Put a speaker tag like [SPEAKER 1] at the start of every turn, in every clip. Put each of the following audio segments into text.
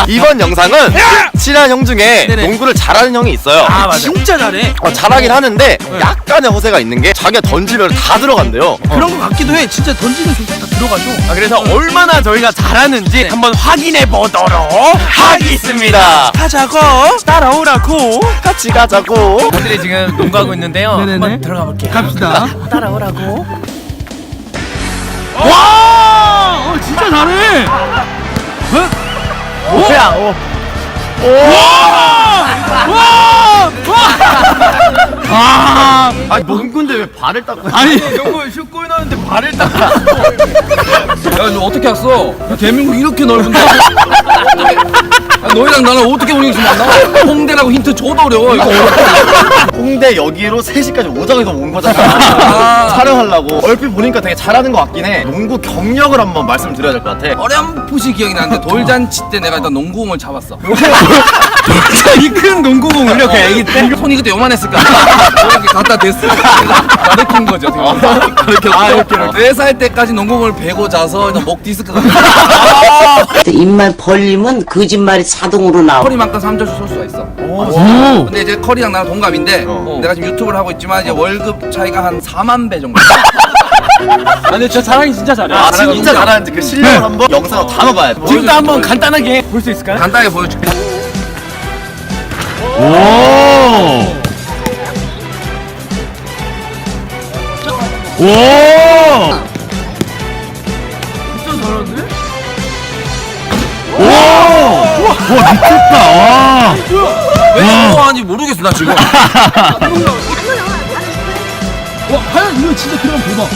[SPEAKER 1] 이번 영상은 친한 형 중에
[SPEAKER 2] 네네.
[SPEAKER 1] 농구를 잘하는 형이 있어요.
[SPEAKER 2] 아 맞아. 진짜 잘해.
[SPEAKER 1] 잘하긴 하는데 약간의 허세가 있는 게 자기가 던지면 다 들어간대요.
[SPEAKER 2] 그런 거 같기도 해. 진짜 던지는 조차 다 들어가죠.
[SPEAKER 3] 그래서 얼마나 저희가 잘하는지 한번 확인해 보도록 하겠습니다.
[SPEAKER 2] 하자고.
[SPEAKER 3] 따라오라고.
[SPEAKER 1] 같이 가자고.
[SPEAKER 3] 형들이 지금 농구하고 있는데요.
[SPEAKER 2] 네네네.
[SPEAKER 3] 한번 들어가 볼게요.
[SPEAKER 2] 갑시다.
[SPEAKER 3] 따라오라고.
[SPEAKER 2] 와! 진짜 잘해.
[SPEAKER 1] 뭐야? 아, 농구인데 왜 발을 닦고?
[SPEAKER 2] 아니,
[SPEAKER 3] 농구 슛골 넣는데 발을 딱.
[SPEAKER 4] 야, 너 어떻게 왔어? 대한민국 이렇게 넓은데? 너희랑 나랑 어떻게 운영이 만나? 홍대라고 힌트 줘도 어려워. 이거 어렵다.
[SPEAKER 1] 홍대 여기로 3시까지 오정에서 온 거잖아. 촬영하려고. 얼핏 보니까 되게 잘하는 것 같긴 해. 농구 경력을 한번 말씀드려야 될 것 같아.
[SPEAKER 4] 어렴풋이 기억이 나는데 돌잔치 때 내가 일단 농구공을 잡았어.
[SPEAKER 3] 이 큰 농구공을 이렇게 애기 때.
[SPEAKER 4] 손이 그때 요만했을까? 이렇게 갖다 댔으니까 가르친 거죠. 그렇게 4살 때까지 농구공을 베고 자서 일단 목 디스크가
[SPEAKER 5] 입만 벌리면 거짓말이 자동으로 나와.
[SPEAKER 4] 커리만큼 3점슛 쏠 수가 있어. 근데 이제 커리랑 나랑 동갑인데 내가 지금 유튜브를 하고 있지만 이제 월급 차이가 한 4만 배 정도.
[SPEAKER 3] 근데 저 자랑이 진짜 잘해.
[SPEAKER 1] 아, 진짜 잘하는지 그 실력을 한번 영상으로 담아봐야 돼.
[SPEAKER 3] 지금도 한번 간단하게 볼 수 있을까요?
[SPEAKER 4] 간단하게 보여줄게. 왜 좋아하는지 모르겠어 나 지금.
[SPEAKER 2] 와, 과연 이거 진짜 그럼 보다.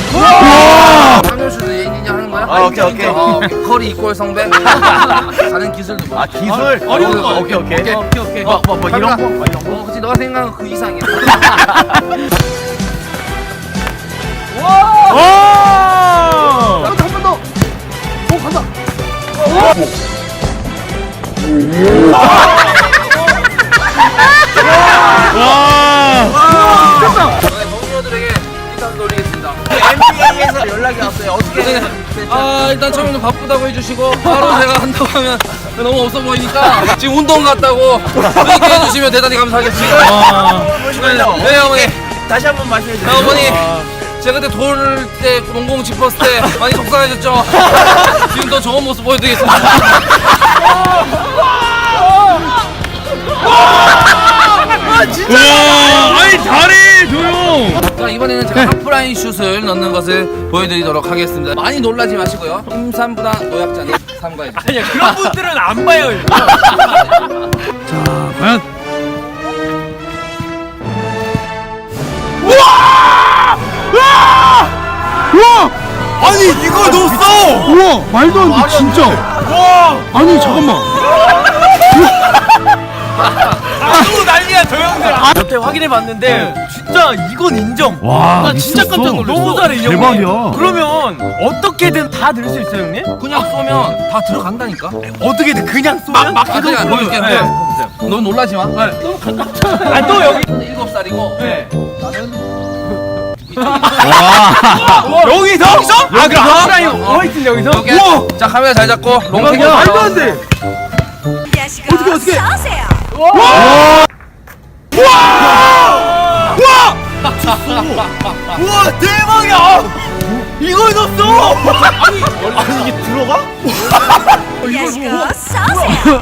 [SPEAKER 4] 상효수도 예인이냐 하는 거야?
[SPEAKER 1] 아, 오케이.
[SPEAKER 4] 커리 이꼴 성배. 다른 기술도 뭐.
[SPEAKER 1] 아, 기술?
[SPEAKER 2] 어려운 거.
[SPEAKER 1] 오케이.
[SPEAKER 4] 오케이.
[SPEAKER 1] 뭐 이런 거?
[SPEAKER 4] 그치 너가 생각한 그 이상이야. 저희 동료들에게 인사를 돌리겠습니다. NBA에서 연락이 왔어요. 어떻게? 아 일단 처음에는 바쁘다고 해주시고 바로 제가 한다고 하면 너무 없어 보이니까 지금 운동 갔다고 그렇게 해주시면 대단히 감사하겠습니다. 네 어머니.
[SPEAKER 3] 다시 한번 말씀해 주세요.
[SPEAKER 4] 어머니. 제가 그때 돌 때 농공 짚었을 때 많이 속상해졌죠? 지금 더 좋은 모습 보여드리겠습니다.
[SPEAKER 3] 아니 잘해 조용.
[SPEAKER 4] 자 이번에는 제가 하프라인 슛을 넣는 것을 보여드리도록 하겠습니다. 많이 놀라지 마시고요. 임산부나 노약자는 삼가해주세요.
[SPEAKER 3] 아니야 그런 분들은 안 봐요. 이거.
[SPEAKER 2] 자, 과연. 우와!
[SPEAKER 3] 아니 이걸 넣었어.
[SPEAKER 2] 우와! 말도 안 돼, 진짜.
[SPEAKER 3] 와.
[SPEAKER 2] 아니, 잠깐만.
[SPEAKER 3] 또 난리야 저 형들. 옆에 확인해 봤는데 진짜 이건 인정.
[SPEAKER 2] 와,
[SPEAKER 3] 나 진짜 깜짝 놀랐어. 너무 잘해 이 형님.
[SPEAKER 2] 대박이야.
[SPEAKER 3] 그러면 어떻게든 다 넣을 수 있어요 형님?
[SPEAKER 4] 그냥 쏘면 다 들어간다니까?
[SPEAKER 3] 어떻게든 그냥 쏘면?
[SPEAKER 4] 아, 그냥 보여줄게.
[SPEAKER 3] 네.
[SPEAKER 4] 너 놀라지 마.
[SPEAKER 3] 아또 여기
[SPEAKER 4] 7살이고
[SPEAKER 3] 네.
[SPEAKER 2] 와.
[SPEAKER 3] 여기서? 아 그럼 하프라인 화이트 여기서?
[SPEAKER 4] 여기. 자 카메라 잘 잡고 롱ቴ크.
[SPEAKER 2] 말도 안 돼.
[SPEAKER 6] 어떻게 싸우세요.
[SPEAKER 3] 우와 대박이야! 이걸 넣었어!
[SPEAKER 1] 아니, 이게 들어가?
[SPEAKER 6] 야식아 싸우세요.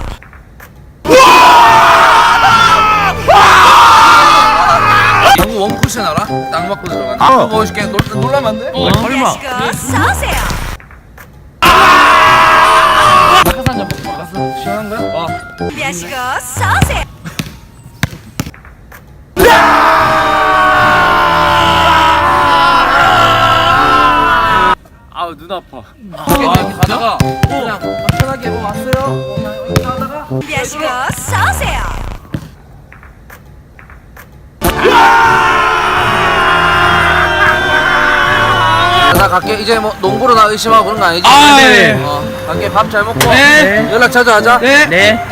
[SPEAKER 4] 영구 원쿠션 알아? 땅 맞고 들어가는. 한번 보여줄게. 놀라면 안 돼?
[SPEAKER 6] 야식아 싸우세요.
[SPEAKER 4] 낙하산 잡고 막았어. 시원한 거야? 와.
[SPEAKER 6] 야식아 싸우세요.
[SPEAKER 3] 아우 눈 아파.
[SPEAKER 4] 이렇게 가다가 그냥 편하게 왔어요. 그냥 이렇게 하다가
[SPEAKER 6] 야식아 싸우세요.
[SPEAKER 4] 나 갈게. 이제 뭐 농구로 나 의심하고 그런 거 아니지?
[SPEAKER 3] 아, 네.
[SPEAKER 4] 갈게. 밥 잘 먹고
[SPEAKER 3] 네.
[SPEAKER 4] 연락 자주 하자.
[SPEAKER 3] 네.